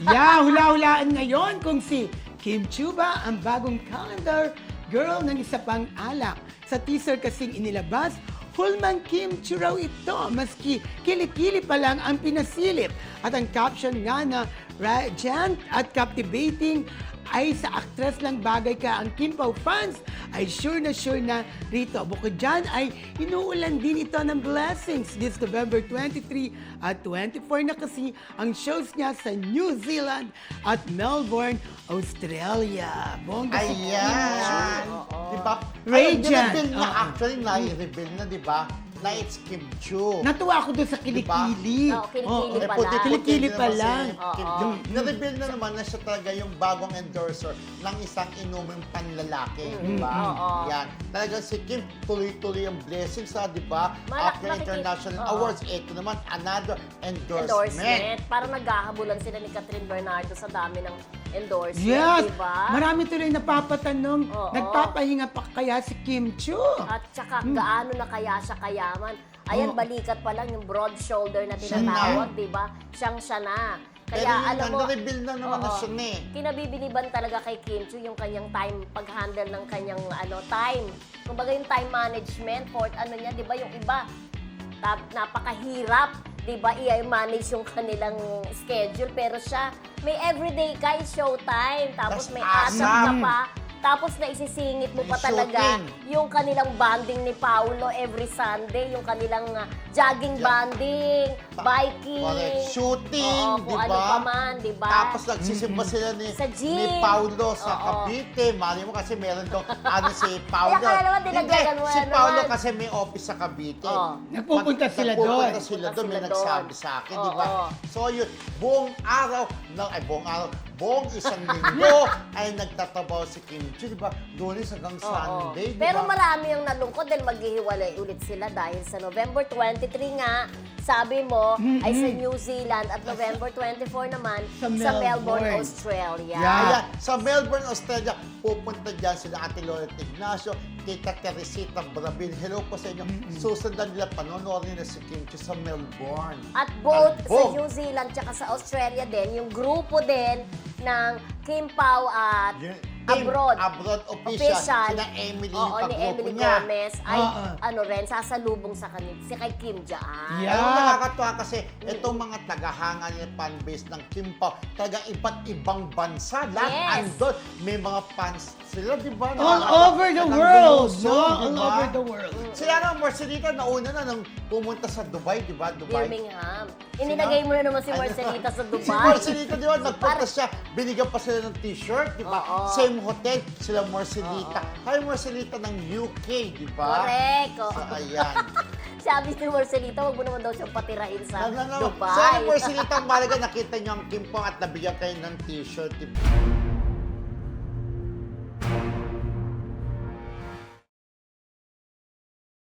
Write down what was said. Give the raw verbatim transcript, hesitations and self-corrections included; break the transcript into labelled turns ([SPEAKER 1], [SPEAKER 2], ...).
[SPEAKER 1] Yeah, hula-hulaan ngayon kung si Kim Chiu ba ang bagong calendar girl ng isa pang alak. Sa teaser kasing inilabas, Hulman Kim Chiu raw ito, maski kilikili pa lang ang pinasilip. At ang caption nga na radiant at captivating ay sa actress lang bagay ka ang Kim Pao fans ay sure na sure na rito. Bukod dyan ay inuulan din ito ng blessings this November twenty-three at twenty-four na kasi ang shows niya sa New Zealand at Melbourne, Australia. Bongga si Kim Chiu.
[SPEAKER 2] Ayan. Diba?
[SPEAKER 1] Radiant.
[SPEAKER 2] Ay, na,
[SPEAKER 1] Oo.
[SPEAKER 2] actually, na-reveal na, di ba? Na it's Kim Chiu.
[SPEAKER 1] Natuwa ako doon sa kilikili.
[SPEAKER 3] Oo, kilikili
[SPEAKER 1] Oo,
[SPEAKER 3] pa
[SPEAKER 2] puti-
[SPEAKER 3] lang.
[SPEAKER 1] Kilikili
[SPEAKER 2] puti
[SPEAKER 1] pa
[SPEAKER 2] din naman
[SPEAKER 1] lang.
[SPEAKER 2] si Kim
[SPEAKER 3] Oo.
[SPEAKER 2] Chiu. Na-reveal na naman na siya talaga yung bagong endorser ng isang inuming panlalaki. Di ba?
[SPEAKER 3] Oo.
[SPEAKER 2] Yan. Talagang si Kim, tuloy-tuloy ang blessings, ha, di ba?
[SPEAKER 3] Malak-
[SPEAKER 2] After
[SPEAKER 3] nakikita-
[SPEAKER 2] International
[SPEAKER 3] Oo.
[SPEAKER 2] Awards, ito naman, another endorsement.
[SPEAKER 3] Endorsement. Parang naghahabulan sila ni Catherine Bernardo sa dami ng endorsement,
[SPEAKER 1] Yes!
[SPEAKER 3] di ba?
[SPEAKER 1] Marami tuloy napapatanong,
[SPEAKER 3] Oo.
[SPEAKER 1] nagpapahinga pa kaya si Kim Chiu?
[SPEAKER 3] At saka gaano na kaya siya kayaman. Ayan,
[SPEAKER 1] Oo.
[SPEAKER 3] balikat pa lang yung broad shoulder na
[SPEAKER 2] Siya
[SPEAKER 3] tinatawag, di ba? Siyang siya na.
[SPEAKER 2] Pero
[SPEAKER 3] Kaya
[SPEAKER 2] yun
[SPEAKER 3] alam
[SPEAKER 2] nga,
[SPEAKER 3] mo,
[SPEAKER 2] na-reveal na naman na
[SPEAKER 3] oo,
[SPEAKER 2] siya na eh.
[SPEAKER 3] kinabibiliban talaga kay Kim Chiu yung kanyang time, pag-handle ng kanyang ano time. Kumbaga yung time management, fourth ano niya, di ba yung iba, tap, napakahirap, di ba, i-manage yung kanilang schedule. Pero siya, may everyday ka, showtime, tapos
[SPEAKER 2] Tas
[SPEAKER 3] may
[SPEAKER 2] asam.
[SPEAKER 3] asap ka pa. Tapos na isisingit mo
[SPEAKER 2] May
[SPEAKER 3] pa talaga
[SPEAKER 2] shooting.
[SPEAKER 3] yung kanilang banding ni Paolo every Sunday, yung kanilang uh, jogging
[SPEAKER 2] Ja-
[SPEAKER 3] banding, biking.
[SPEAKER 2] Correct. Shooting,
[SPEAKER 3] Oo,
[SPEAKER 2] di
[SPEAKER 3] kung
[SPEAKER 2] ba?
[SPEAKER 3] ano pa man, di ba?
[SPEAKER 2] Tapos nagsisimba sila ni,
[SPEAKER 3] Sa gym.
[SPEAKER 2] ni Paulo sa
[SPEAKER 3] Oo.
[SPEAKER 2] Cavite. Mali mo kasi meron doon, ano si Paulo.
[SPEAKER 3] Kaya kaya naman, dinagdagan mo
[SPEAKER 2] si
[SPEAKER 3] na
[SPEAKER 2] Paulo
[SPEAKER 3] naman.
[SPEAKER 2] kasi may office sa Cavite.
[SPEAKER 3] Oo.
[SPEAKER 1] Nagpupunta
[SPEAKER 2] Pag-
[SPEAKER 1] sila
[SPEAKER 2] nagpupunta
[SPEAKER 1] doon.
[SPEAKER 2] sila
[SPEAKER 3] Nagpupunta
[SPEAKER 2] doon, may
[SPEAKER 3] sila
[SPEAKER 2] nagsabi
[SPEAKER 3] doon.
[SPEAKER 2] sa akin, di ba?
[SPEAKER 3] Oo.
[SPEAKER 2] So yun, buong araw, no, ay buong araw, buong isang linggo ay nagtatabaw si Kim Chiu, di ba? Lunes hanggang
[SPEAKER 3] Oo.
[SPEAKER 2] Sunday, di
[SPEAKER 3] Pero
[SPEAKER 2] ba?
[SPEAKER 3] marami ang nalungkot dahil maghihiwalay ulit sila dahil sa November twenty-three nga, sabi mo, ay sa New Zealand at November twenty-four naman
[SPEAKER 1] Sa
[SPEAKER 3] sa Melbourne,
[SPEAKER 1] Melbourne.
[SPEAKER 3] Australia.
[SPEAKER 1] Yeah.
[SPEAKER 2] Ayan, sa Melbourne, Australia, pupunta dyan sila Ate Loret Ignacio, Tita Teresita Brabil. Hello po sa inyo. Susundan nila, panonoodin nila si Kim Chiu sa Melbourne.
[SPEAKER 3] At both
[SPEAKER 2] At
[SPEAKER 3] sa
[SPEAKER 2] both.
[SPEAKER 3] New Zealand tsaka sa Australia din, yung grupo din ng Kim Pao at
[SPEAKER 2] Yung team,
[SPEAKER 3] Abroad.
[SPEAKER 2] Abroad official. Sina Emily,
[SPEAKER 3] Oo,
[SPEAKER 2] yung
[SPEAKER 3] ni
[SPEAKER 2] kagrupo
[SPEAKER 3] Emily
[SPEAKER 2] niya.
[SPEAKER 3] Gomez ay
[SPEAKER 1] Oo.
[SPEAKER 3] ano rin, sasalubong sa kanil, si kay Kim Jaan.
[SPEAKER 1] Yeah.
[SPEAKER 2] Alam mo, nakakatuwa kasi itong mga tagahanga niya fanbase ng Kim Pao, talagang iba't ibang bansa. Lahat
[SPEAKER 3] Yes.
[SPEAKER 2] andun. May mga fans sila, di ba?
[SPEAKER 1] All
[SPEAKER 2] Nakakatuwa.
[SPEAKER 1] over the
[SPEAKER 2] Talagang
[SPEAKER 1] world,
[SPEAKER 2] lumusong,
[SPEAKER 1] no?
[SPEAKER 2] di
[SPEAKER 1] All
[SPEAKER 2] ba?
[SPEAKER 1] over the world.
[SPEAKER 2] Sila nga, Marcelita, nauna na nung pumunta sa Dubai, di ba? Dubai.
[SPEAKER 3] Birmingham. Inilagay mo na naman si
[SPEAKER 2] Ano?
[SPEAKER 3] Marcelita sa Dubai.
[SPEAKER 2] Si Marcelita, di ba? Nagpunta
[SPEAKER 3] Par-
[SPEAKER 2] siya, binigyan pa sila ng t-shirt, di ba?
[SPEAKER 3] Oo.
[SPEAKER 2] Same hotel, sila Marcelita. Kaya Marcelita ng U K, di ba?
[SPEAKER 3] Correct. oo.
[SPEAKER 2] So, ayan.
[SPEAKER 3] Sabi ni Marcelita, wag mo naman daw siyang patirain sa
[SPEAKER 2] No, no, no.
[SPEAKER 3] Dubai.
[SPEAKER 2] Sana Marcelita, ang malaga nakita niyo ang Kim Pao at nabigyan kayo ng t-shirt, di ba?